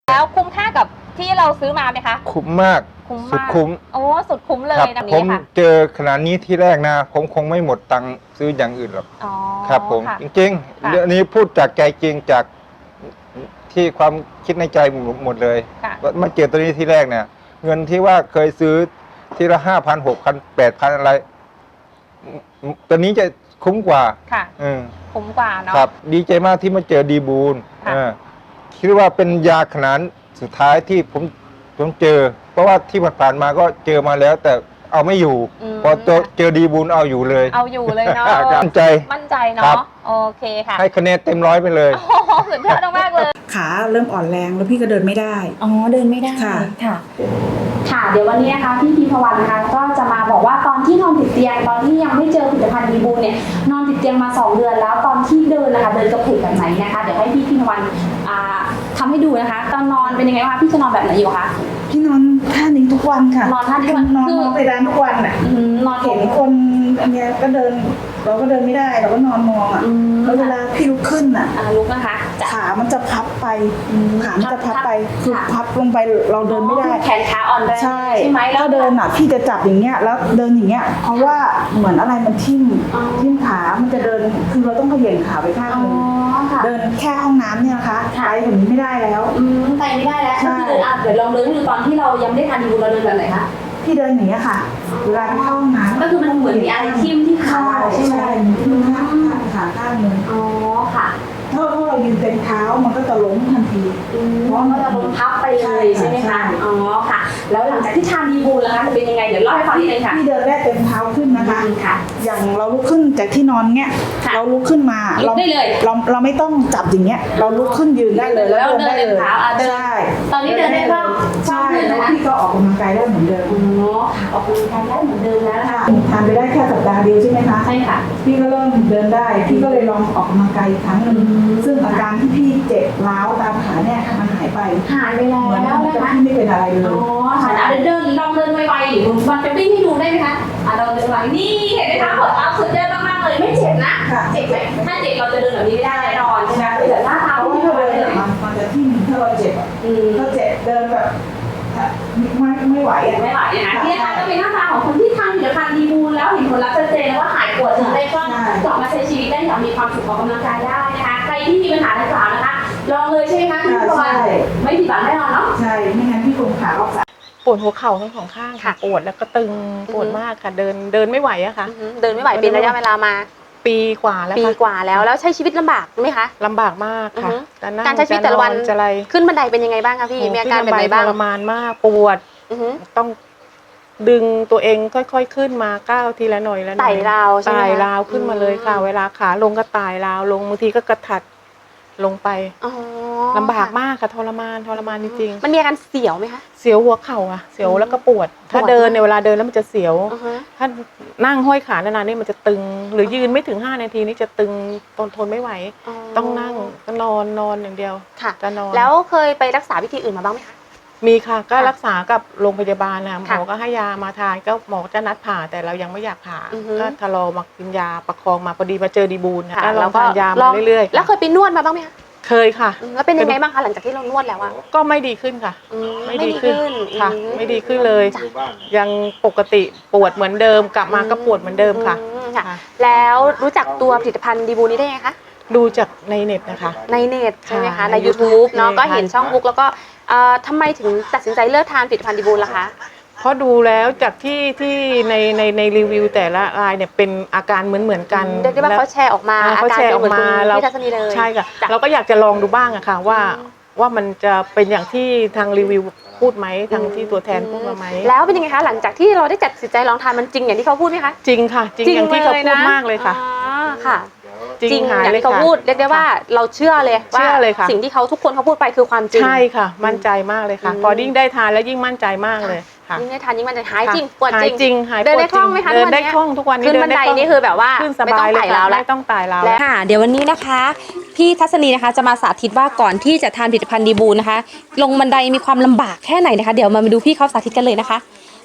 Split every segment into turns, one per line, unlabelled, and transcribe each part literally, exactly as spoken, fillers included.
แล้วคุ้มค่ากับที่เราซื้อมาไหมคะ
คุ้มมาก
คุ้ม
สุด
มาก
คุ้ม
โอ้สุดคุ้มเลยแบบ
ผ
นี้
ม
ค่ะ
เจอขนาดนี้ที่แรกนะผมคงไม่หมดตังค์ซื้ออย่างอื่นหรอก
อ๋อ
ครับผม
ค่ะ
จริง
ค่ะ
ๆเรื่องนี้พูดจากใจจริงจากที่ความคิดในใจหมดเลย
ค่ะ
ว่ามาเจอตัวนี้ที่แรกเนี่ย เงินที่ว่าเคยซื้อทีละห้าพันหกพันแปดพันอะไรตัวนี้จะคุ้มกว่า
ค่ะ
อืม
คุ้มกว่าเนาะ
ครับ ดีใจมากที่มาเจอดีบูล
ค่ะ
เออคิดว่าเป็นยาขนาดสุดท้ายที่ผมผมเจอ เพราะว่าที่ผ่านๆมาก็เจอมาแล้ว แต่เอาไม่อยู่ พอเจอเจอดีบูลเอาอยู่เลย
เอาอยู่เลยเนาะ
มั่นใจ
มั่นใจ
ครั
เนาะ
บ
โอเคค่ะ
ให้คะแนนเต็มร้อยไปเลย
โอ้โหสุดยอดมากเลย
ขาเริ่มอ่อนแรงแล้วพี่ก็เดินไม่ได้
อ๋อเดินไม่ได้
ค่ะ
ค่ะ
ค่ะเดี๋ยววันนี้นะคะพี่พีพวันนะคะก็จะมาบอกว่าตอนที่นอนติดเตียงตอนที่ยังไม่เจอผลิตภัณฑ์ดีบูเนี่ยนอนติดเตียงมาสองเดือนแล้วตอนที่เดินนะคะเดินกระเพกแบบไหนนะคะเดี๋ยวให้พี่พีพวันอ่าทำให้ดูนะคะตอนนอนเป็นยังไงบ้างพี่จะนอนแบบไหนอยู่คะ
พี่นอนท่านี้ทุกวันค่ะ
นอนท่านี้ทุกวัน
นอน
คือ
มองไปด้านทุกวันอ่ะ
อืมนอน
เห็นคนอันเนี้ยก็เดิน เราก็เดินไม่ได้เราก็นอนมองอ่ะ
อืม
แล้วเวลาพี่ลุกขึ้นอ่ะ
อ่าลุกนะคะจะ
ขามันจะพับไปขามันจะพับไปคือ
ค่ะ
พับลงไปเราเดินไม่ได้
แขนขาอ่อนแรง
ใช่
ใช่ไหมแล้ว
ถ้าเดินอ่ะพี่จะจับอย่างเงี้ยแล้วเดินอย่างเงี้ยเพราะว่าเหมือนอะไรมันทิ่ม
อ๋อ
ทิ่มขามันจะเดินคือเราต้องเขย่งขาไปข้าง
อ๋อ
หนึง
ค่ะ
เดินแค่ห้องน้ำเนี่ยนะคะ
ค่ะ
ไปถึงนี้ไม่ได้แล้ว
อืมไปไม่ได้แล้ว
ใช่
ก็คือเดินอ่ะเดี๋ยวลองเดินให้ดูตอนที่เรายังไม่ได้ทานดีบูเราเดินแบบไหนคะ
พี่เดินอย่างเงี้ยค่ะเวลาไปเข้าห้องน้ำ
ก็คือมันเหมือนมีอะไรทิ่มที่ขา
ใช่
ใช่ไหม
ใช่ทิ่มข้างข้างขาข้างหนึง
อ๋อค่ะ
ถ้าถ้าเรายืนเต็มเท้ามันก็จะล้มทันที
อืมเพราะมันจะลงพับไปเลยใช่ไหม
ใช่
คะ อ๋อค่ะ แล้วหลังจากที่ทานดีบูลแล้วคะจะเป็นยังไง เดี๋ยวเล่าให้ฟังนิดนึงค่ะ
พี่เดินได้เต็มเท้าขึ้นนะคะ
อืมค่ะ
อย่างเราลุกขึ้นจากที่นอนเงี้ย
ค่ะ
เราลุกขึ้นมา
ลุกได้เลย
เราเราไม่ต้องจับอย่างเงี้ย เราลุกขึ้นยืนได้เลย
แล้ว
เดินได้
เดิน
เลย
เท้าอ่ะเดิน
ใช่
ตอนนี้เดินได้บ้าง
ใช่
บ้างขึ้น
แล้ว
นะคะ
พี่ก็ออกกำลังกายได้เหมือนเดิม
อ๋อค่ะออกกำลังกายได้เหมือนเดิมแล้วนะคะ
ทานไปได้แค่สัปดาห์เดียวใช่ไหมคะ
ใช่ค่ะ
พี่ก็เริ่มเดินได้ พี่ก็เลยลองออกกำลังกายอีกครั้งหนึ่ง
อืม
ซึ่งอาการที่พี่เจ็บร้าวตามขาเนี่ยมันหายไป
หายไปแล้ว
เหมือน
นะ
กับ
คะ
พี่ไม่เป็นอะไรเลย
อ๋อค่ะอ่ะเดินลองเดินไวๆหรือมันจะวิ่งให้ดูได้ไหมคะอ่ะเราเดินไวนี่เห็นไหมคะเปิดเอาสุดเดินมากๆเลยไม่เจ็บนะ
ค่ะ
เจ็บไหมถ้าเจ็บเราจะเดินแบบนี้ไม่ได้แน่นอนใช่ไหมเดี๋ยวหน้าเท้า
เพราะว่า
ที่
ถ้า
เรา
เดิน
เดิน
อะมันมันจะทิ่มถ้าเราเจ็บอะ
อืม
ถ้าเจ็บเดินแบบไม่ไม่ไหวอะ
ไม่ไหวนะคะที่นะคะก็เป็นหน้าตาของคนที่ทานผลิตภัณฑ์ดีบูลแล้วเห็นผลลัพธ์ชัดเจนแล้วว่าหายปวดถึงได้ก็กลับมาใช้ชีวิตได้อย่างมีความสุขออกกำลังกายได้นะคะใครที่มีปัญหาดังกล่าวนะคะลองเลยใช่ไหมคะพี่พรไม่ผิดหวังแน่นอนเนาะ
ใช่ไม่งั้นพี่คงขาออกสาย
ปวดหัวเข่าทั้งสองข้างค่ะ
ค่ะ
ปวดแล้วก็ตึงปวดมากค่ะ เดินเดินไม่ไหวอะค่ะ
อือหือเดินไม่ไหวเป็นระยะเวลามา
ปีกว่าแล้ว
ปี
ค่ะ
กว่าแล้วแล้วใช้ชีวิตลำบากไหมคะ
ลำบากมากค่ะ
อือฮึ
จะนั่ง
การใช้ชีวิตแต่ละวัน
จจะอะไร
ขึ้นบันไดเป็นยังไงบ้างคะพี่มีอาการแบบไหนบ้าง
ทรมานมากปวด
อือหือ
ต้องดึงตัวเองค่อยๆขึ้นมาก้าวทีละหน่อยละหน่อย
ไต่ราวใช่ไหมคะ
ไต่ราวขึ้นมาเลยค่ะ
อืม
เวลาขาลงก็ไต่ราวลงบางทีก็กระถัดลงไป
อ๋อ
ลำบากมากค่ะทรมานทรมานจริง
มันมีอาการเสียวไหมคะ
ๆเสียวหัวเข่าอะเสียวแล้วก็ปวด ถ้า
ปวด
เดินในยเวลาเดินแล้วมันจะเสียว
อือฮะ
ถ้านั่งห้อยขานานๆนี่มันจะตึง หรือยืนไม่ถึงห้านาทีนี่จะตึงทนทนไม่ไหว ต้องนั่งก็นอนนอนอย่างเดียว
ค่ะ
จะนอน
แล้วเคยไปรักษาวิธีอื่นมาบ้างไหมคะ
มีค่ะก็
ค่ะ
รักษากับโรงพยาบาลนะหม
ค่ะ
อก็ให้ยามาทานก็หมอจะนัดผ่าแต่เรายังไม่อยากผ่า
อือฮึ
ก็ทะลอมากินยาประคองมาพอดีมาเจอดีบูลนะ
ค่ะ
ก็ลองทานยามาเรื่อยๆ
แล้วเคยไปนวดมาบ้างไหมคะ
เคยค่ะ
อืมแล้วเป็นยังไงบ้างคะหลังจากที่เรานวดแล้วอะ
ก็ไม่ดีขึ้นค่ะ
อืม
ไม่ดีขึ้นค่ะ
อืม
ไม่ดีขึ้นเลย
จ้ะ
ยังปกติปวดเหมือนเดิม กลับมาก็ปวดเหมือนเดิมค่ะ
อืมค่ะ
ค่ะ
แล้วรู้จักตัวผลิตภัณฑ์ดีบูนี้ได้ไงคะ
ดูจากในเน็ตนะคะ
ในเน็ตใช่ไหมคะ
ค่ะ
ใน
ใน
YouTube เนาะ
ใช่
ก็เห็น
ค่ะ
ช่องบุ๊กแล้วก็เอ่อทำไมถึงตัดสินใจเลือกทานผลิตภัณฑ์ดีบูลล่ะคะ
เพราะดูแล้วจากที่ที่ในในในรีวิวแต่ละรายเนี่ยเป็นอาการเหมือนเหมือนกัน
เรียกได้ว่าเขาแชร์ออกมา
อ่า
อา
เขา
การ
แชร์
เป็
อน อก
เหมือน
มา
คุณ
เรา
พี่ทัศนีเลย
ใช่ค่ะ
จ้ะ
เราก็อยากจะลองดูบ้างอะค่ะว่า
อืม
ว่ามันจะเป็นอย่างที่ทางรีวิวพูดไหมทางที่ตัวแทนพูดมาไหม
แล้วเป็นยังไงคะหลังจากที่เราได้ตัดสินใจลองทานมันจริงอย่างที่เขาพูดไหมคะ
จริงค่ะ จริงอย่างที่เขาพูดมากเลยค่ะ
อ๋อค่ะ
จริงหาย
อย่าง
เลย
ที่เขา
ค่ะ
พูดเรียกได้ว่าเราเชื่อเลยว่า
เชื่อเลยค่ะ
สิ่งที่เขาทุกคนเขาพูดไปคือความจริง
ใช่ค่ะ มั่นใจมากเลยค่ะ
อืม
พอยิ่งได้ทานแล้วยิ่งมั่นใจมากเลยค่ะ
ยิ่งได้ทานยิ่งมันจะหายจริง
ค่ะ
ปวด
หา
จ
ย
ริง
จริงหาย
เดิน
ปว
ได้คล่องไหมคะ
เดินได้
ทุกวันเนี้ย
คล่องทุกวันนี้
ขึ้น
เดิ
บัน
ได้
ได
คล่อง
นี่คือแบบว่า
ขึ้นส
ไม่
บา
ต้อย ง
เลย
ไต่
ค่ะ
ราวแล้ว
ไม่ต้องไต่ราว
และ
แล้ว
ค่ะเดี๋ยววันนี้นะคะพี่ทัศนีนะคะจะมาสาธิตว่าก่อนที่จะทานผลิตภัณฑ์ดีบูนะคะ ลงบันไดมีความลำบากแค่ไหนนะคะ เดี๋ยวมาดูพี่เขาสาธิตกันเลยนะคะ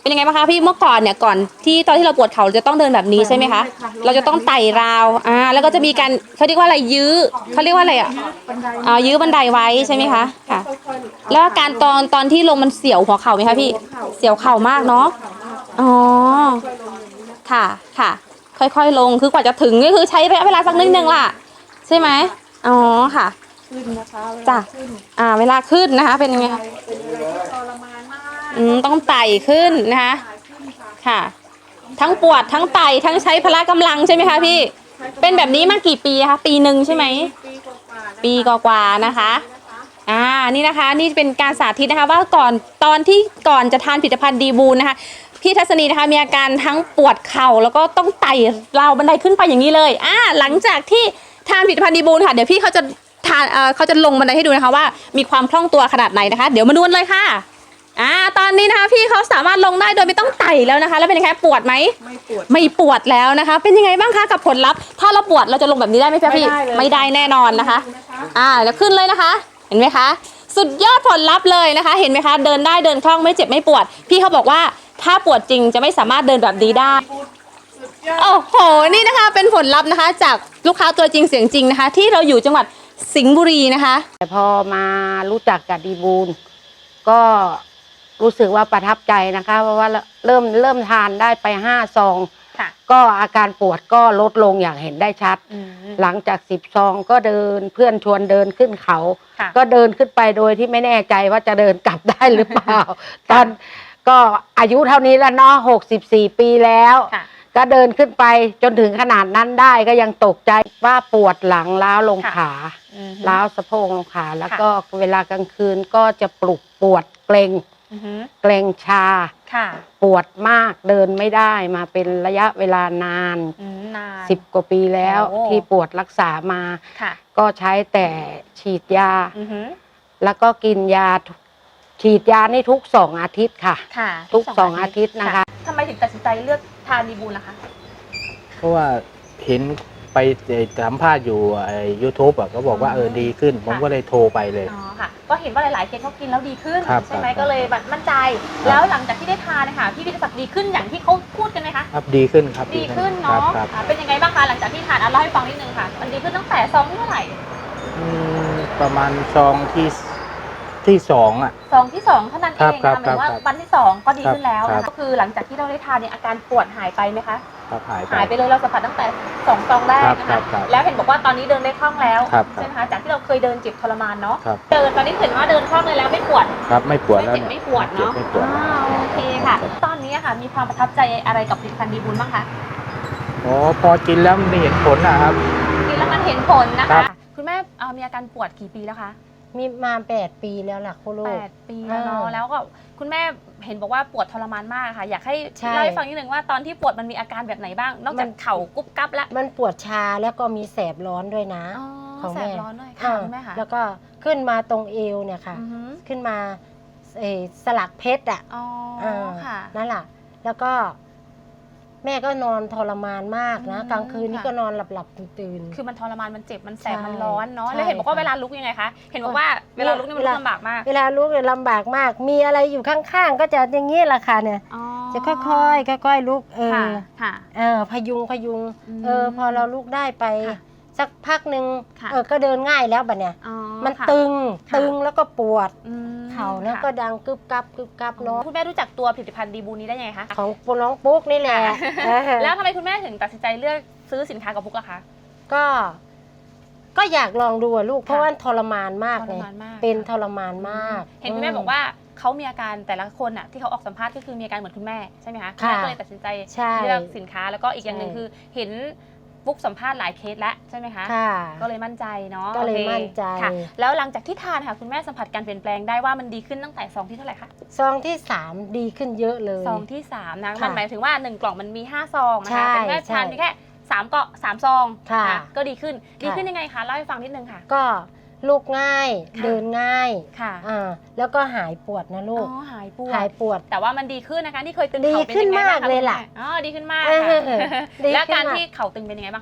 เป็นยังไงบ้างคะพี่เมื่อก่อนเนี่ยก่อนที่ตอนที่เราปวดเข่าเราจะต้องเดินแบบนี้ใช่ไหมคะเราจะต้องไต่ราวอ่าแล้วก็จะมีการเขาเรียกว่าอะไรยื้อเขาเรียกว่าอะไรอ่ะอ่ายื้อบันไดไว้ใช่ไหมคะค่ะ แล้วอาการตอนตอนที่ลงมันเสียวหัวเข่าไหมคะพี่เสียวเข่ามากเนาะอ๋อค่ะค่ะ ค่อยๆลงคือกว่าจะถึงก็คือใช้ระยะเวลาสักนิดนึงล่ะใช่ไหมอ๋อค่ะจ้ะอ่าเวลาขึ้นนะคะ เป็นยังไงคะอืมต้องไต่ขึ้นนะคะค่ะ ทั้งปวดทั้งไต่ทั้งใช้พละกำลังใช่ไหมคะพี่เป็นแบบนี้มากี่ปีคะปีหนึ่งใช่ไหมปีกว่าๆนะคะอ่านี่นะคะนี่เป็นการสาธิตนะคะว่าก่อนตอนที่ก่อนจะทานผลิตภัณฑ์ดีบูนนะคะพี่ทัศนีนะคะมีอาการทั้งปวดเข่าแล้วก็ต้องไต่ราวบันไดขึ้นไปอย่างนี้เลยอ่าหลังจากที่ทานผลิตภัณฑ์ดีบูนค่ะเดี๋ยวพี่เขาจะทานเอ่อเขาจะลงบันไดให้ดูนะคะว่ามีความคล่องตัวขนาดไหนนะคะเดี๋ยวมาดูกันเลยค่ะอ่าตอนนี้นะคะพี่เขาสามารถลงได้โดยไม่ต้องไต่แล้วนะคะแล้วเป็นยังไงปวดไหมไม่ปวดไม่ปวดแล้วนะคะเป็นยังไงบ้างคะกับผลลัพธ์ถ้าเราปวดเราจะลงแบบนี้ได้ไหมพี่ไม่ได้แน่นอนนะคะอ่าแล้วขึ้นเลยนะคะเห็นไหมคะสุดยอดผลลัพธ์เลยนะคะ เห็นไหมคะเดินได้เดินคล่องไม่เจ็บไม่ปวดพี่เขาบอกว่าถ้าปวดจริงจะไม่สามารถเดินแบบนี้ได้โอ้โหนี่นะคะเป็นผลลัพธ์นะคะจากลูกค้าตัวจริงเสียงจริงนะคะที่เราอยู่จังหวัดสิงห์บุรีนะคะ
แต่พอมารู้จักกับดีบูลก็รู้สึกว่าประทับใจนะคะเพราะว่าเริ่มเริ่มทานได้ไปห้าซองก็อาการปวดก็ลดลงอย่างเห็นได้ชัดหลังจากสิบซองก็เดินเพื่อนชวนเดินขึ้นเขาก็เดินขึ้นไปโดยที่ไม่แน่ใจว่าจะเดินกลับได้หรือเปล่า ตอนก็อายุเท่านี้แล้วเนาะหกสิบสี่ปีแล้วก็เดินขึ้นไปจนถึงขนาดนั้นได้ก็ยังตกใจว่าปวดหลังล้าวลงขาล้าวสะโพกลงขาแล้วก็เวลากลางคืนก็จะปลุกปวดเกร็งเกร็งชาปวดมากเดินไม่ได้มาเป็นระยะเวลานานสิบกว่าปีแล้วที่ปวดรักษามาก็ใช้แต่ฉีดยาแล้วก็กินยาฉีดยานี่ทุกสองอาทิตย์ค่ะทุกสองอาทิตย์นะคะ
ทำไมถึงตัดสินใจเลือกทานดีบูลล่ะคะ
เพราะว่าเห็นไปสัมภาษณ์อยู่ไอ้ยูทูบอ่ะก็บอกว่าเออดีขึ้น ผมก็เลยโทรไปเลย
อ๋อค่ะก็เห็นว่าหลายๆเคสเขากินแล้วดีขึ้น
ครับ
ใช่ไหม
ครับ
ก็เลยแบบมั่นใจ แล้วหลังจากที่ได้ทานนะคะพี่วิทยาศักดิ์ดีขึ้นอย่างที่เขาพูดกันไหมคะ
ครับดีขึ้นครับ
ดีขึ้น
ครั
เนาะ
บครับ
อ่าเป็นยังไงบ้างคะหลังจากที่ทานอ่ะเล่าให้ฟังนิดนึงค่ะมันดีขึ้นตั้งแต่ซองที่เท่าไหร่
อืมประมาณซองที่ที่สองอ่ะ
ซองที่สองเท่านั้นเอ
ครับ
ง
ครั
นะ
บ
หมายถึงว่า
ครับ
วันที่สองก็ดีขึ้นแล้ว
ครั
นะ
บ
ก็คือหลังจากที่เราได้ทานเนี่ยอาการปวดหายไปไหมคะ
ครับหายไป
หายไปเลยเราสัมผัสตั้งแต่สองซองแรกนะ
ครั
คะ
บครับ
แล้วเห็นบอกว่าตอนนี้เดินได้คล่องแล้ว
ครับ
ใช่ไหมคะจากที่เราเคยเดินเจ็บทรมานเนาะ
ครับ
เดินตอนนี้เห็นว่าเดินคล่องเลยแล้วไม่ปวด
ครับไม่ปวด
ไม่
แล้ว
เจ็บ
เนี่ย
ไม่ปวดเนาะ
ไม่ปวด
อ่าโอเคค่ะ ตอนนี้ค่ะมีความประทับใจอะไรกับผลิตภัณฑ์ดีบุญบ้างคะ
อ๋อพอกินแล้วมันเห็นผลนะครับ
กินแล้วมันเห็นผลนะ
ครั
คะ
บ
คุณแม่เอ่อมีอาการปวดกี่ปีแล้วคะ
มีมาแปดปีแล้วล่ะคุณลู
แป
ก
ดปีแล้วเนาะ
อ่า
แล้วก็คุณแม่เห็นบอกว่าปวดทรมานมากค่ะ อยากให้
ใช่
เล่าให้ฟังนิดนึงว่าตอนที่ปวดมันมีอาการแบบไหนบ้าง นอกจากเข่ากุ๊บกั๊บแล้ว
มันปวดชาแล้วก็มีแสบร้อนด้วยนะ
อ๋อ
ของ
แส
แม่
บร้อนด้วยค่ะคุณแม่ค่ะ
แล้วก็ขึ้นมาตรงเอวเนี่ยค่ะ
อือฮึ
ขึ้นมาเอ่อสลักเพชรอ่ะ
อ๋อ
อ่า
ค่ะ
นั่นแหละแล้วก็ แม่ก็นอนทรมานมากนะ
อืม
กลางคืนนี่
ค่ะ
ก็นอนหลับหลับๆตื่นๆ
คือมันทรมานมันเจ็บมันแสบ
ใช่
มันร้อนเนาะ
ใช่
แล้วเห็นบอกว่า
ค่ะ
เวลาลุกยังไงคะเห็นบอกว่าเวลาลุกนี่มัน
เว
ลุ
ลา
กลำบากมาก
เวลาลุกเนี่ยลำบากมาก มีอะไรอยู่ข้างๆ ก็จะอย่างนี้แหละค่ะเนี่ย
อ๋อ
จะค่อยๆค่อยๆลุกเอ
ค่ะ
อ
ค่ะ
เออพยุงพยุง
อืม
เออพอเราลุกได้ไป
ค่ะ
สักพักหนึ่ง
ค่ะ
เออก็เดินง่ายแล้วบัดเนี่ย
อ๋อ
มัน
ค่ะ
ตึง
ค่ะ
ตึงแล้วก็ปวด
อืม
เข่าแล้ว
ค่ะ
ก็ดังกึบกับกึบกับเนาะ
คุณแม่รู้จักตัวผลิตภัณฑ์ดีบูนี้ได้ยังไงคะ
ของน้องปุ๊กนี่แหละเออ
แล้วทำไมคุณแม่ถึงตัดสินใจเลือกซื้อสินค้ากับพุกล่ะคะ
ก็ ก็อยากลองดูอะลูก เพราะ
ค่ะ
ว่าทรมานมาก
ท
เล
ร
ย
มานมาก
เป็น
ค่ะ
ทรมานมาก
เห็นคุณแม่บอกว่าเขามีอาการแต่ละคนอ่ะที่เขาออกสัมภาษณ์ก็คือมีอาการเหมือนคุณแม่ใช่ไหมคะ
ค่ะ
ณแม่ก็เลยตัดสินใจ
ใช่
เลือกสินค้าแล้วก็อีกอย่างหนึ่ง
ใช่
คือเห็นฟุกสัมภาษณ์หลายเคสแล้วใช่ไหมคะ
ค่ะ
ก็เลยมั่นใจเนาะ
ก็เลย
โอค
มั่นใจ
ค่ะ แล้วหลังจากที่ทานค่ะคุณแม่สัมผัสการเปลี่ยนแปลงได้ว่ามันดีขึ้นตั้งแต่ซองที่เท่าไหร่คะ
ซองที่สามดีขึ้นเยอะเลย
ซองที่สามนะ
ค่ะ
มันหมายถึงว่าหนึ่งกล่องมันมีห้าซองนะ
ใช่
คะแต่คุณแม่
ใช่
ทานเพียงแค่สามเกาะสามซอง
ค่ะ
นก็ดีขึ้นดี
ค่ะ
ขึ้นยังไงคะเล่าให้ฟังนิดนึงค่ะ
ก็ลุกง่าย
ค่ะ
เดินง่าย
ค่ะ
อ่าแล้วก็หายปวดนะลู
อ๋
ก
อหายปวด
หายปวด
แต่ว่ามันดีขึ้นนะคะที่เคยตึง
ดี
เข่าเป็น
ขึ้น
ยังไงบ้าง
มาก
คะ
เลยล่ะ
คุณแม่อ๋อดีขึ้นมาก
เออ
ค่ะ
ดีขึ้นมาก
แล้วการที่เข่าตึงเป็นยังไงบ้างคะ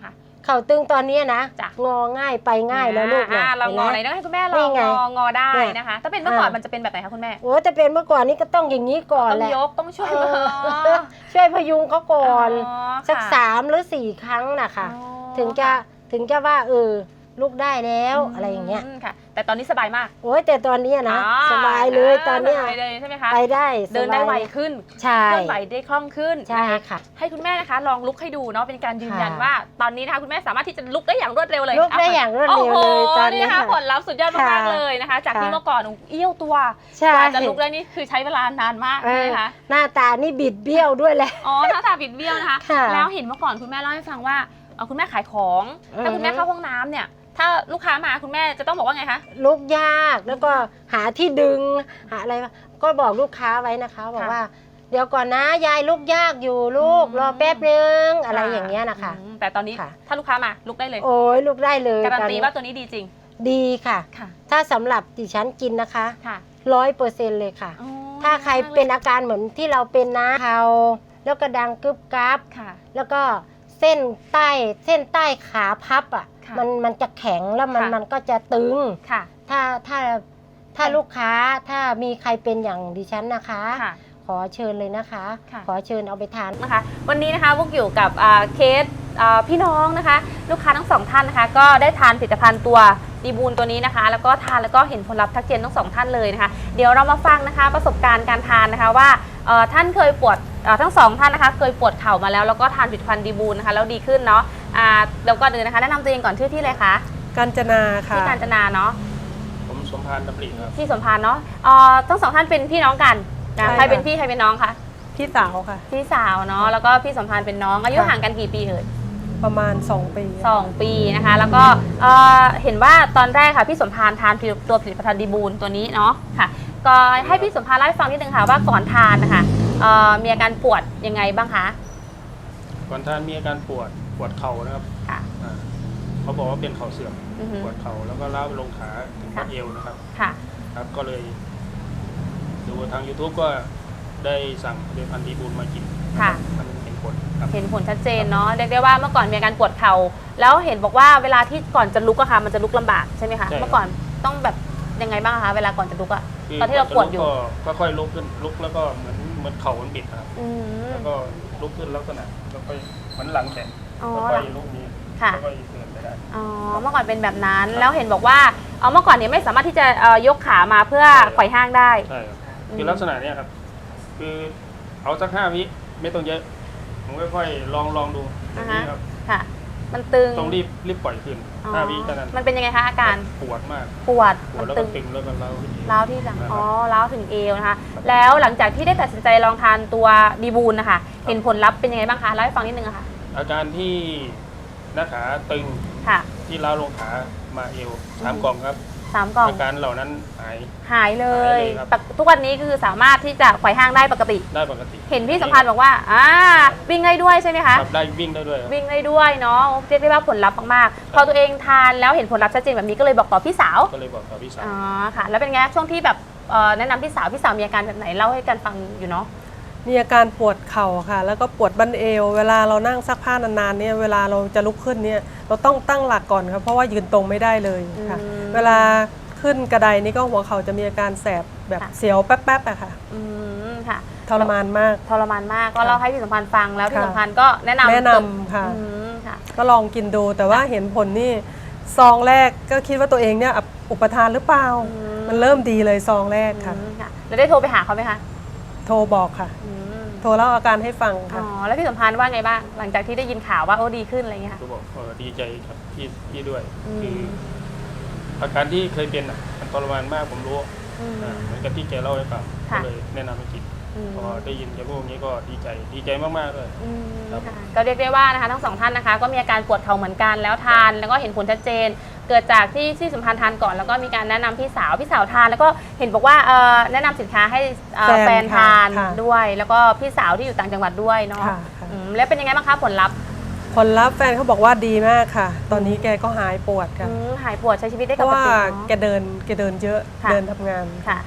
เข่าตึงตอนนี้นะ
จ้ะ
งอง่ายไปง่ายแล้วลูก
อ่า
นะ
เรางอไหน
ห็น
ต้
ไหม
องให้คุณแม่ล
นี่
อง
ไง
งองอได้
เนี่ย
นะคะ ถ้าเป็นเมื่อก่อน
อ่ามั
มันจะเป็นแบบไหนคะคุณแม่
โอ้แต่เป็นเมื่อก่อนนี้ก็ต้องอย่างนี้ก่อน
ต้อง
แหละ
ยกต้องช่วย
เอ
มือ
อช่วยพยุงเขาก่อน
อ๋อ
สัก
ค่ะ
สามหรือสี่ครั้งนะคะ
อ๋อ
ถึงจะถึงจะว่าเออลูกได้แล้วอะไรอย่างเงี้ย
มค่ะ แต่ตอนนี้สบายมาก
โอ้ยแต่ตอนเนี้ยนะ
อ๋อ
สบายเลยตอนเนี้ย
สบายเลยใช่ไหมคะ
ไปได้สบาย
เดินได้ไวขึ้น
ใช่
เคลื่อนไหวได้คล่องขึ้น
ใช่
นะคะ
ค่ะ
ให้คุณแม่นะคะลองลุกให้ดูเนาะเป็นการยืนยัน
ค่ะ
ว่าตอนนี้นะคะคุณแม่สามารถที่จะลุกได้อย่างรวดเร็วเลย
ลุกได้อย่างรวดเร็วเลย
โอ้โห
ตอนนี้
นี่นะคะ
ค่ะ
ผลลัพธ์สุดยอดมาก
ค่ะ
ๆเลยนะคะ จากที่
ค่ะ
เมื่อก่อนเอี้ยวตัว
ใช่
กว่าจะลุกได้นี่คือใช้เวลานานมาก
เอ
ใช่
อ
ไหมคะ
หน้าตานี่บิดเบี้ยวด้วยแหละ
อ๋อหน้าตาบิดเบี้ยวนะคะ
ค่ะ
แล้วเห็นเมื่อก่อนคุณแม่เล่าให้ฟังว่าเอ่อคุณแม่ขายของ ถ้าคุณแม่เข้าห้องน้ำเนี่ย ถ้าลูกค้ามาคุณแม่จะต้องบอกว่าไงคะ
ลุกยากแล้วก็หาที่ดึงหาอะไรวะก็บอกลูกค้าไว้นะคะบอก
ค่ะ
ว่า เดี๋ยวก่อนนะยายลุกยากอยู่ลูก
อืม
รอแป๊บนึงอะไรอย่างเงี้ยนะคะ
อืมแต่ตอนนี้
ค่ะ
ถ้าลูกค้ามาลุกได้เลย
โอ้ยลุกได้เลย
การัน
ตอน
ตี
นี้
ว่าตัวนี้ดีจริง
ดีค่ะ
ค่ะ
ถ้าสำหรับดิฉันกินนะคะ
ค่ะ
ร้อยเปอร์เซ็นต์เลยค่ะ
อ๋อ
ถ้าใครเป็นอาการเหมือนที่เราเป็นนะเขาแล้วก็ดังกึบกับ
ค่ะ
แล้วก็เส้นใต้เส้นใต้ขาพับอ่ะ
ค่ะ
มันมันจะแข็งแล้วมัน
ค่ะ
มันก็จะตึง
ค่ะ
ถ้าถ้าถ้าลูกค้าถ้ามีใครเป็นอย่างดิฉันนะคะ
ค่ะ
ขอเชิญเลยนะคะ
ค่ะ
ขอเชิญเอาไปทาน
นะคะวันนี้นะคะพวกอยู่กับอ่าเคสอ่าพี่น้องนะคะ ลูกค้าทั้งสองท่านนะคะ ก็ได้ทานผลิตภัณฑ์ตัวดีบูลตัวนี้นะคะ แล้วก็ทานแล้วก็เห็นผลลัพธ์ทักเจนทั้งสองท่านเลยนะคะ เดี๋ยวเรามาฟังนะคะประสบการณ์การทานนะคะว่าเอ่อท่านเคยปวดเอ่อทั้งสองท่านนะคะ เคยปวดเข่ามาแล้วแล้วก็ทานผลิตภัณฑ์ดีบูลนะคะแล้วดีขึ้นเนาะอ่าเดี๋ยวก่อนอื่นนะคะแนะนำตัวเองก่อนชื่อที่เลยคะ
กาญจนาค่ะ
ที่การจนาเนาะ
ผมสมพานดำริครับ
ที่สมพานเนาะเอ่อทั้งสองท่านเป็นพี่น้องกันนะ
ใช่
ใครเป็น
ค่ะ
พี่ใครเป็นน้องคะ
พี่สาวค่ะ
พี่สาวเนาะแล้วก็พี่สมพานเป็นน้องอายุ
ค่ะ
ห่างกันกี่ปีเอ่ย
ประมาณสองปี
สองปีนะคะแล้วก็เอ่อเห็นว่าตอนแรกค่ะพี่สมพานทานตัวผลิตภัณฑ์ดีบูลตัวนี้เนาะค่ะก็ให้พี่สมพานเล่าให้ฟังนิดนึงค่ะว่าก่อนทานนะคะเอ่อมีอาการปวดยังไงบ้างคะ
ก่อนท่านมีอาการปวดปวดเข่านะครับ
ค่ะ
อ่าเขาบอกว่าเป็นเข่าเสื่อม
อือฮึ
ปวดเข่าแล้วก็ล้าวไปลงขาถึง
ค่ะ
บัดเอวนะครับ
ค่ะ
ครับ ก็เลย ดูทาง YouTube ก็ได้สั่งผลิตภัณฑ์ดีบูลมากิน
ค่ะ
มันเห็นผลครับ
เห็นผลชัดเจนเนาะเรียกได้ว่าเมื่อก่อนมีอาการปวดเข่าแล้วเห็นบอกว่าเวลาที่ก่อนจะลุกอะค่ะมันจะลุกลำบากใช่ไหมคะ
ใช่ครับ
เมื่อก่อนต้องแบบยังไงบ้างคะเวลาก่อนจะลุกอะ
คื
ตอนที่เราปวดอยู่
ก็ก็ค่อยลุกขึ้นลุกแล้วก็เหมือนเหมือนเข่ามันบิดนะครับ
อืม
แล้วก็ลุกขึ้นลักษณะแล้วก็เหมือนหลังแขน
อ๋อ
แล้วก็ลุกนี้
ค่ะ
แล้วก็เดินไปได้
อ๋อเมื่อก่อนเป็นแบบนั้นแล้วเห็นบอกว่าเอาเมื่อก่อนเนี่ยไม่สามารถที่จะเอ่อยกขามาเพื่อ
ใช่ครับ
ไขว่ห้างได้
ใช่ครับ
อืม
คือลักษณะเนี้ยครับ คือเอาสักห้าวิไม่ต้องเยอะ ผมค่อยๆลองลองดูอย่างนี้ครับ
ค่ะ มันตึง
ต้องรีบรีบปล่อยขึ้น
อ๋อ
ห้าวิเท่านั้น
มันเป็นยังไงคะอาการ
ปวดมาก
ปวด
ปว
มั
ด
น
แล้ว
ตึ
ก็
ง
ตึงแล้วก็เล้าขึ้น
ร้าวที่หลัง
นะครับ
อ๋อร้าวถึงเอวนะคะ แล้วหลังจากที่ได้ตัดสินใจลองทานตัวดีบูลนะคะเห็นผลลัพธ์เป็นยังไงบ้างคะเล่าให้ฟังนิดนึงอะค่ะ
อาการที่หน้าขาตึง
ค่ะ
ที่เล้าลงขามาเอวสามกล่องครับ
สามกล่อง
อาการเหล่านั้นหาย
หายเล
หาย ยเลยครับ
ปกทุกวันนี้คือสามารถที่จะไขว่ห้างได้ปกติ
ได้ปกติ
เห็นพี่สัมพันธ์บอกว่าอ่าวิ่งได้ด้วยใช่ไหมคะ
ครับได้วิ่งได้ด้วยครับ
วิ่งได้ด้วยเนาะเรียกได้ว่าผลลัพธ์มากๆพอตัวเองทานแล้วเห็นผลลัพธ์ชัดเจนแบบนี้ก็เลยบอกต่อพี่สาว
ก็เลยบอกกับพี่สาว
อ๋อค่ะ แล้วเป็นไงช่วงที่แบบเอ่อแนะนำพี่สาวพี่สาวมีอาการแบบไหนเล่าให้กันฟังอยู่เนาะ
มีอาการปวดเข่าค่ะ แล้วก็ปวดบั้นเอว เวลาเรานั่งซักผ้านานๆเนี่ยเวลาเราจะลุกขึ้นเนี่ยเราต้องตั้งหลักก่อนครับเพราะว่ายืนตรงไม่ได้เลยค่ะ
อืม
เวลาขึ้นกระไดนี่ก็หัวเข่าจะมีอาการแสบแบบ
ค่ะ
เสียวแป๊บๆอะค่ะ
อืมค่ะ
ทรมานมาก
ทรมานมากก็เล่าให้พี่สัมพันธ์ฟังแล้วพี่
ค่ะ
สัมพันธ์ก็แนะนำ
แนะนำค่ะ
อืมค่ะ
ก็ลองกินดูแต่ว่าเห็นผลนี่ซองแรกก็คิดว่าตัวเองเนี่ยอุปทานหรือเปล่า
อืม
มันเริ่มดีเลยซองแรกค่ะ
อืมค่ะแล้วได้โทรไปหาเขาไหมคะ
โทรบอกค่ะ
อืม
โทรเล่าอาการให้ฟัง
อ๋
ค่ะ
อแล้วพี่สัมพันธ์ว่าไงบ้างหลังจากที่ได้ยินข่าวว่าโอ้ดีขึ้นอะไรอย่างเงี้ยค่ะ
ก็บอกเออดีใจครับพี่พี่ด้วย
อืม
คืออาการที่เคยเป็นอ่ะมันทรมานมากผมรู้
อืม
อ่าเหมือนกับที่แกเล่าให้ฟังก็
ค่ะ
เลยแนะนำให้กิน
อืม
พอได้ยินแกพูดอย่างนี้ก็ดีใจดีใจมากๆเลย
อืม
ครับ
ค่ะก็เรียกได้ว่านะคะทั้งสองท่านนะคะ ก็มีอาการปวดเข่าเหมือนกันแล้วทานแล้วก็เห็นผลชัดเจน เกิดจากที่ที่สัมพันธ์ทานก่อนแล้วก็มีการแนะนำพี่สาวพี่สาวทาน แล้วก็เห็นบอกว่าเอ่อแนะนำสินค้าให้เอ่อ
แฟ
แฟ
น
นทาน
ค่ะ
ด้วย แล้วก็พี่สาวที่อยู่ต่างจังหวัดด้วยเนาะ
ค่ะค่ะ
อืมแล้วเป็นยังไงบ้างคะผลลัพธ์
ผลลัพธ์แฟนเขาบอกว่าดีมากค่ะ ตอนนี้แกก็หายปวดค่ะ
อืมหายปวดใช้ชีวิตได้
เพ
ป
ราะ
ก
ว่า
ติ
แก
เนาะ
เดินแกเดินเยอะ
ค่ะ
เดินทำงาน
ค่ะ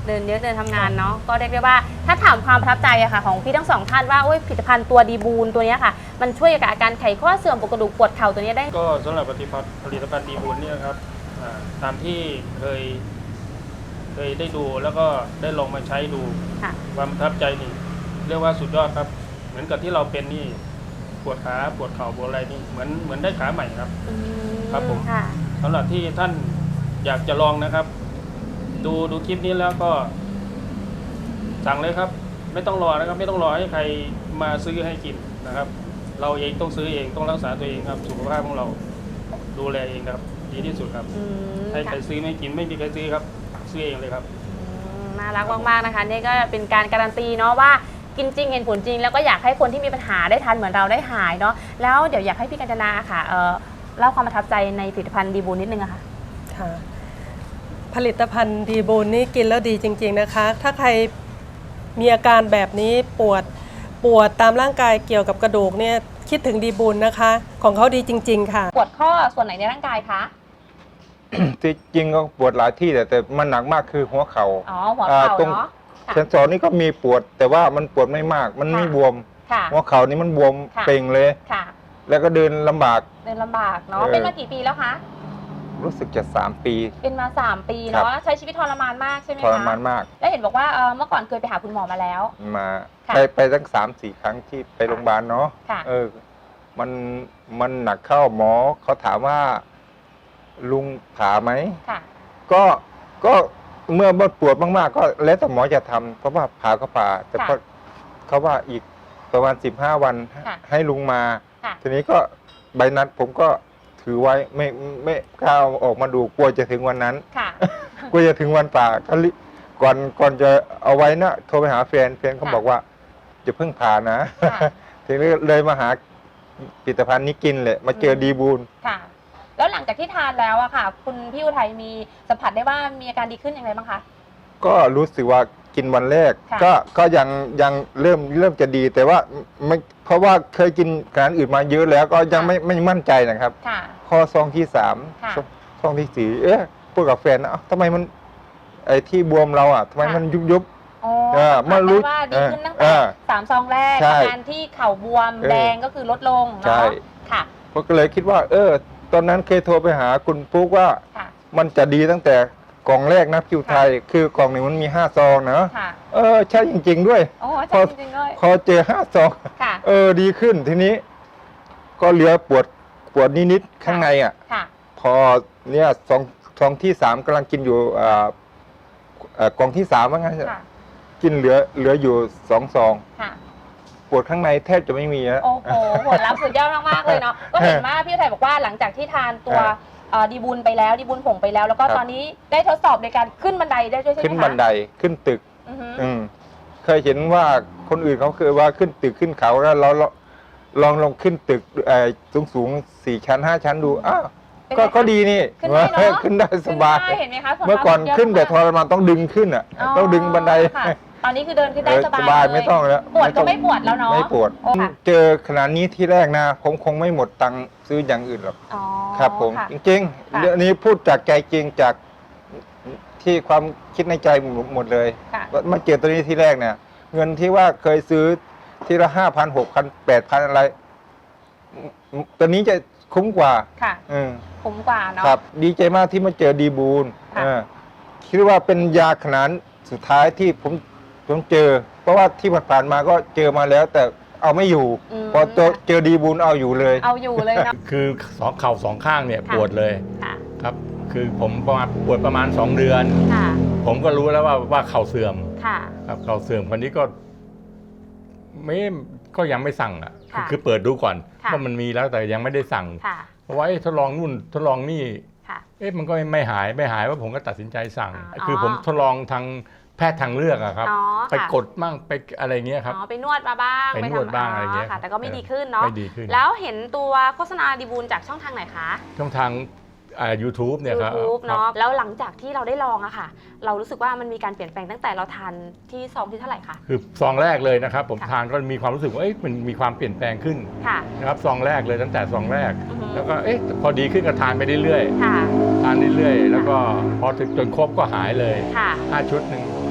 เดินเยอะเดินทำงานเนาะก็เรียกได้ว่าถ้าถามความประทับใจอะค่ะของพี่ทั้งสองท่านว่าโอ้ยผลิตภัณฑ์ตัวดีบูนตัวเนี้ยค่ะมันช่วยกับอาการไขข้อเสื่อมปวดกระดูกปวดเข่าตัวเนี้ยได้
ก็สำหรับผลิตภัณฑ์ผลิตภัณฑ์ดีบุญเนี่ยครับอ่าตามที่เคยเคยได้ดูแล้วก็ได้ลองมาใช้ดู
ค่ะ
ความประทับใจนี่เรียกว่าสุดยอดครับ เหมือนกับที่เราเป็นนี่ปวดขาปวดเข่าปวดอะไรนี่เหมือนเหมือนได้ขาใหม่ครับ
อืม
ครับผม
ค่ะ
สำหรับที่ท่านอยากจะลองนะครับ ดูดูคลิปนี้แล้วก็สั่งเลยครับ ไม่ต้องรอนะครับ ไม่ต้องรอให้ใครมาซื้อให้กินนะครับ เราเองต้องซื้อเองต้องรักษาตัวเองครับสุขภาพของเราดูแลเองนะครับ ดีที่สุดครับ
อืม
ให้ใคร
ค่ะ
ซื้อไม่กินไม่มีใครซื้อครับ ซื้อเองเลยครับ
อืมน่ารักมากๆนะคะนี่ก็เป็นการการันตีเนาะว่ากินจริงเห็นผลจริง แล้วก็อยากให้คนที่มีปัญหาได้ทานเหมือนเราได้หายเนาะแล้วเดี๋ยวอยากให้พี่กัญจนาค่ะเอ่อเล่าความประทับใจในผลิตภัณฑ์ดีบูนนิดนึงอะค่ะ
ค่ะผลิตภัณฑ์ดีบูนนี่กินแล้วดีจริงๆนะคะ ถ้าใครมีอาการแบบนี้ปวดปวดตามร่างกายเกี่ยวกับกระดูกเนี่ยคิดถึงดีบูนนะคะ ของเขาดีจริงๆค่ะ
ปวดข้อส่วนไหนในร่างกายคะ
ที่จริงก็ปวดหลายที่แต่แต่มันหนักมากคือหัวเขา
อ๋อหัวเข่า
อ่าตรง
เนาะค่ะ
เซนสอนนี่ก็มีปวด แต่ว่ามันปวดไม่มาก มันไม่
ค่ะ
บวม
ค่ะ
หัวเข่านี่มันบวม
ค่ะ
เป่งเลย
ค่ะ
แล้วก็เดินลำบาก
เดินลำบากเนาะ
เออ
เป็นมากี่ปีแล้วคะ
รู้สึกจะสามปี
เป็นมาสามปี
ครั
เนาะ
บ
ใช้ชีวิตทรมานมากใช่ไหม
ท
คะ
รมานมาก
แล้วเห็นบอกว่าเอ่อเมื่อก่อนเคยไปหาคุณหมอมาแล้ว
มา
ค่ะ
ไปไปตั้งสามสี่ครั้งที่ไปโรงพยาบาลเนาะ
ค่ะ
เออ มันมันหนักเข้าหมอเขาถามว่าลุงผ่าไหม
ค่ะ
ก็ก็เมื่อปวดมากๆ ก็แล้วแต่หมอจะทำเพราะว่าผ่าก็ผ่า แต่
ค่ะ
ก็เขาว่าอีกประมาณสิบห้าวัน
ค่ะ
ให้ลุงมา
ค่ะ
ทีนี้ก็ใบนัดผมก็ถือไว้ไม่ไม่กล้าเอาออกมาดูกลัวจะถึงวันนั้น
ค่ะ
กลัวจะถึงวันป่าก็รีก่อนก่อนจะเอาไว้นะโทรไปหาแฟนแฟนเขา
ค่ะ
บอกว่าจะเพิ่งผ่านะ
ค่ะ
ทีนี้เลยมาหาผลิตภัณฑ์นี้กินเลยมาเจอดีบูล
ค่ะ แล้วหลังจากที่ทานแล้วอะค่ะ คุณพี่อุทัยมีสัมผัสได้ว่ามีอาการดีขึ้นอย่างไรบ้างคะ
ก็รู้สึกว่ากินวันแรก
ค่ะ
ก็ก็ยังยังเริ่มเริ่มจะดีแต่ว่าไม่เพราะว่าเคยกินอาหารอื่นมาเยอะแล้วก็ยังไม่ไม่มั่นใจนะครับ
ค่ะ
ข้อซองที่สาม
ค่ะ
ซองที่สี่เอ๊ะพูดกับแฟนนะเอ้าทำไมมันไอ้ที่บวมเราอ่ะทำไม
ค่ะ
มันยุบยุบ
อ๋อ
เออ
สัมผัส
เมื่อรู้
ได้ว่าดีขึ้นตั้ง
เอ
แต่
อ
สามซองแรก
ใช่
อาการที่เข่าบวม
เออ
แดงก็คือลดลง
ใช่
เนาะค่ะ
ผมก็เลยคิดว่า เออ ตอนนั้นเคยโทรไปหาคุณปุ๊กว่า
ค่ะ
มันจะดีตั้งแต่กล่องแรกนะคิวไทย คือกล่องหนึ่งมันมีห้าซองนะ
ค่ะ
เออใช่จริง ๆ ด้วย
โอ้
พ
ใช่
อ
จริงๆเลย
พอเจอห้าซอง
ค่ะ
เออดีขึ้นทีนี้ ก็เหลือปวดปวดนิดๆข้างในอ่ะ
ค่ะ
พอเนี่ยซองซองที่สามกำลังกินอยู่อ่าเอ่อกล่องที่สามว่างั้น
ค่ะ
กินเหลือเหลืออยู่สองซอง
ค่ะ
ปวดข้างในแทบจะไม่มีแล้ว
โอ้โหผลลัพธ์สุดยอดมากๆเลยเนาะ ก็เห็นว่าพี่อุทัยบอกว่าหลังจากที่ทานตัว
ครับ
เอ่อดีบุญไปแล้วดีบุญผงไปแล้ว แล้วก็
ครับ
ตอนนี้ได้ทดสอบในการขึ้นบันไดได้ด้วยใช่ไหมคะ
ขึ้นบันไดขึ้นตึก
อือฮึ
อืมเคยเห็นว่าคนอื่นเขาเคยว่าขึ้นตึกขึ้นเขาแล้วเราเราลองลองขึ้นตึกสูงสูงๆสี่ชั้นห้าชั้นดูอ้าว
เป็น
ก็
ไงคะ
ก็ดีนี่
ขึ้นได้เนอะ
ขึ้นได้สบาย
ขึ้นได้เห็นไหมคะผลลัพธ์
เมื่อก่อน
สุดยด
ขึ้นแต่ท
มาก
รมานต้องดึงขึ้นอ่ะ ต้องดึงบันได
ค่ะตอนนี้คือเดินขึ้นได้
เออ
สบาย
สบาย
เล
ไม่ต้องแล้ว
ปวดก็
ต้อง
ไม่ปวดแล้วเนาะ
ไม่ปวด
โอ้ค่ะ
เจอขนาดนี้ที่แรกนะ ผมคงไม่หมดตังค์ซื้ออย่างอื่นหรอก
อ๋อ
ครับผม
ค่ะ
จริง
ค่ะ
ๆเรื่องนี้พูดจากใจจริงจากที่ความคิดในใจหมดเลย
ค่ะ
ว่ามาเจอตัวนี้ที่แรกเนี่ย เงินที่ว่าเคยซื้อทีละห้าพันหกพันแปดพันอะไรตัวนี้จะคุ้มกว่า
ค่ะ
อืม
คุ้มกว่าเนาะ
ครับ ดีใจมากที่มาเจอดีบูล
ค่ะ
เออคิดว่าเป็นยาขนาดสุดท้ายที่ผมผมเจอ เพราะว่าที่ผ่านๆมาก็เจอมาแล้ว แต่เอาไม่อยู่
ม
พอเจอเจอดีบูลเอาอยู่เลย
เอาอยู่เลยเนาะ
คือสองเข่าสองข้างเนี่ย
ค่ะ
ปวดเลย
ค่ะ
ครับ คือผมประมาณปวดประมาณสองเดือน
ค่ะ
ผมก็รู้แล้วว่าว่าเข่าเสื่อม
ค่ะ
ครับเข่าเสื่อมคนนี้ก็ไม่ก็ยังไม่สั่งอ่ะ
ค่ะ
คือเปิดดูก่อน
ค่ะ
ว่ามันมีแล้วแต่ยังไม่ได้สั่ง
ค่ะ
เพราะว่าเอ๊ะทดลองนู่นทดลองนี่
ค่ะ
เอ๊ะมันก็ไม่หายไม่หายว่าผมก็ตัดสินใจสั่ง
อ๋อ
คือผมทดลองทางแพทย์ทางเลือกอะครับ
อ๋อ
ไป
ค่ะ
กดมั่งไปอะไรเงี้ยครับ
อ๋อไปนวดมาบ้าง
ไปนวด
ทำ
บ้างอะไรเงี้ย
ค่ะ แต่ก็ไม่
เออ
ดีขึ้นเนาะ
ไม่ดีขึ้น
แล้วเห็นตัวโฆษณาดีบูลจากช่องทางไหนคะ
ช่องทางอ่า ยูทูบ เนี่ยครับ
YouTube
ครับ
เนาะแล้วหลังจากที่เราได้ลองอะค่ะ เรารู้สึกว่ามันมีการเปลี่ยนแปลงตั้งแต่เราทานที่ซองที่เท่าไหร่คะ
คือซองแรกเลยนะครับ ผม
ค่ะ
ทานก็มีความรู้สึกว่าเอ๊ะมันมีความเปลี่ยนแปลงขึ้น
ค่ะ
นะครับซองแรกเลยตั้งแต่ซองแรก
อือฮึ
แล้วก็เอ๊ะพอดีขึ้นก็ทานไปเรื่อย
ค่ะ
ๆทานเรื่อยๆแล้วก็พอถึงจนครบก็หายเลย
ค่ะ
ห้าชุดหนึ่ง
อ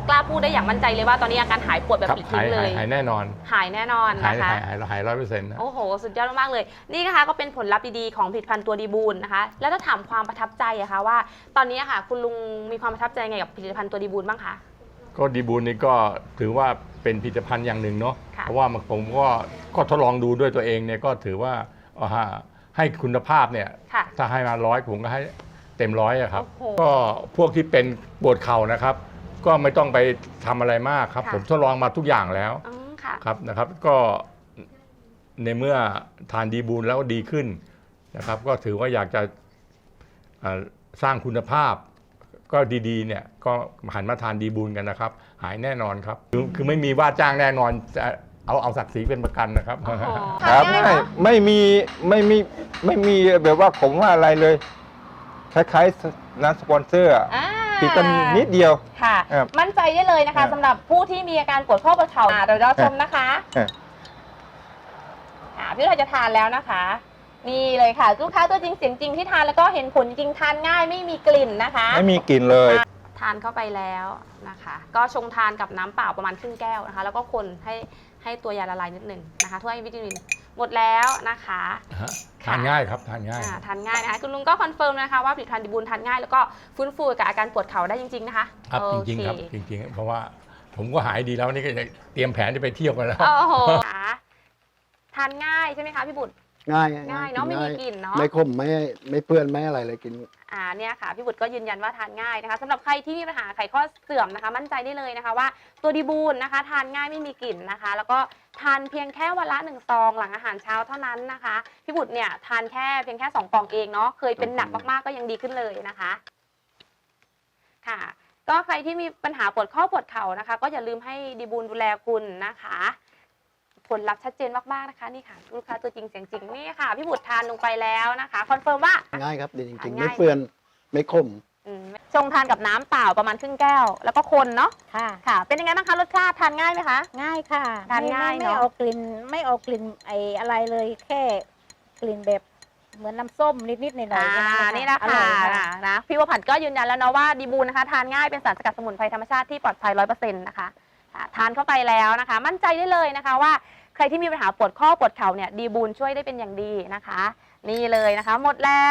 กล้าพูดได้อย่างมั่นใจเลยว่าตอนนี้อาการหายปวดแบบ
ครับ
ปลิด
หา
ทิ้
ย
งเล
หาย
ย
หายแน่นอน
หายแน่นอน
หาย
นะคะ
หายหายหายร้อยเปอร์เซ็นต์นะ
โอ้โห สุดยอดมากๆเลย นี่นะคะก็เป็นผลลัพธ์ดีๆของผลิตภัณฑ์ตัวดีบูลนะคะ แล้วถ้าถามความประทับใจอะคะว่า ตอนนี้อะค่ะ คุณลุงมีความประทับใจไงกับผลิตภัณฑ์ตัวดีบูลบ้างคะ
ก็ดีบูลนี่ก็ถือว่าเป็นผลิตภัณฑ์อย่างหนึ่งเนาะ
ค่ะ
เพราะว่าผมก็ก็ทดลองดูด้วยตัวเองเนี่ยก็ถือว่าเอาฮะให้คุณภาพเนี่ย
ค่ะ
ถ้าให้มาร้อยผมก็ให้เต็มร้อยอะครับ
โอ้โห
ก็พวกที่เป็นปวดเข่านะครับ ก็ไม่ต้องไปทำอะไรมากครับ
ค่ะ
ผมทดลองมาทุกอย่างแล้ว
อืมค่ะ
ครับนะครับ ก็ในเมื่อทานดีบูลแล้วดีขึ้นนะครับ ก็ถือว่าอยากจะเอ่อสร้างคุณภาพ ก็ดีๆเนี่ยก็หันมาทานดีบูลกันนะครับ หายแน่นอนครับ คือคือไม่มีว่าจ้างแน่นอนจะเอาเอาศักดิ์ศรีเป็นประกันนะครับ
โอ้โห
ครับ
ทานง่าย
ไม่
เนอะ
ไม่มีไม่มีไม่มีแบบว่าผมว่าอะไรเลย คล้ายๆน้ำสปอนเซอร์อะ
อ่า
ติดกันนิดเดียว
ค่ะ
ครับ
มั่นใจได้เลยนะคะ
ครับ
สำหรับผู้ที่มีอาการปวดข้อปวดเข่าอ่าเราเราชมนะคะ
ครับ
อ่าพี่เราจะทานแล้วนะคะ นี่เลยค่ะลูกค้าตัวจริงเสียงจริงที่ทานแล้วก็เห็นผลจริงทานง่ายไม่มีกลิ่นนะคะ
ไม่มีกลิ่นเลย
ทานเข้าไปแล้วนะคะ ก็ชงทานกับน้ำเปล่าประมาณครึ่งแก้วนะคะ แล้วก็คนให้ให้ตัวยาละลายนิดหนึ่งนะคะถ้วยวิตามินหมดแล้วนะคะ
ฮะทานง่ายครับทานง่าย
อ่าทานง่ายนะคะคุณลุงก็คอนเฟิร์มนะคะว่าผลิตภัณฑ์ดีบูลทานง่ายแล้วก็ฟื้นฟูกับอาการปวดเข่าได้จริงๆนะคะ
ครับ
โอ
จริง
เค
ๆครับจริงๆ เพราะว่าผมก็หายดีแล้วนี่ก็จะเตรียมแผนจะไปเที่ยวกันแล้ว
โอ้โหค่ะทานง่ายใช่ไหมคะพี่บุตร
ง่าย
ง่ายเนาะไม่มีกลิ่นเนาะ
ไม่ขมไม่ไม่เปื้อนไม่อะไรเลยกิน
อ่าเนี่ยค่ะพี่บุตรก็ยืนยันว่าทานง่ายนะคะสำหรับใครที่มีปัญหาไขข้อเสื่อมนะคะ มั่นใจได้เลยนะคะว่าตัวดีบูลนะคะ ทานง่ายไม่มีกลิ่นนะคะ แล้วก็ทานเพียงแค่วันละหนึ่งซองหลังอาหารเช้าเท่านั้นนะคะพี่บุตรเนี่ยทานแค่เพียงแค่สองกล่องเองเนาะเคยเป็นหนักมากๆก็ยังดีขึ้นเลยนะคะค่ะ ก็ใครที่มีปัญหาปวดข้อปวดเข่านะคะ ก็อย่าลืมให้ดีบูลดูแลคุณนะคะ ผลลัพธ์ชัดเจนมากๆนะคะนี่ค่ะลูกค้าตัวจริงเสียงจริงนี่ค่ะพี่บุตรทานลงไปแล้วนะคะคอนเฟิร์มว่า
ง่ายครับดีจริงๆ
ง่าย
ไม่เปื้อนไม่ขม
อืมชงทานกับน้ำเปล่าประมาณครึ่งแก้ว แล้วก็คนเนาะ
ค่ะ
ค่ะ เป็นยังไงบ้างคะรสชาติทานง่ายไหมคะ
ง่ายค่ะ
ทานง่าย
ไม่
เนอะ
ไม่เอากลิ่นไม่เอากลิ่นไออะไรเลยแค่กลิ่นแบบเหมือนน้ำส้มนิดๆหน่อยๆ
อ่า
แค่
นี่นะ
อ
คะ
ร่อยค่ะ
นะพี่วผัดก็ยืนยันแล้วเนาะว่าดีบูลนะคะทานง่ายเป็นสารสกัดสมุนไพรธรรมชาติที่ปลอดภัยร้อยเปอร์เซ็นต์นะคะอ่าทานเข้าไปแล้วนะคะ มั่นใจได้เลยนะคะว่าใครที่มีปัญหาปวดข้อปวดเข่าเนี่ยดีบูลช่วยได้เป็นอย่างดีนะคะ นี่เลยนะคะ หมดแล้ว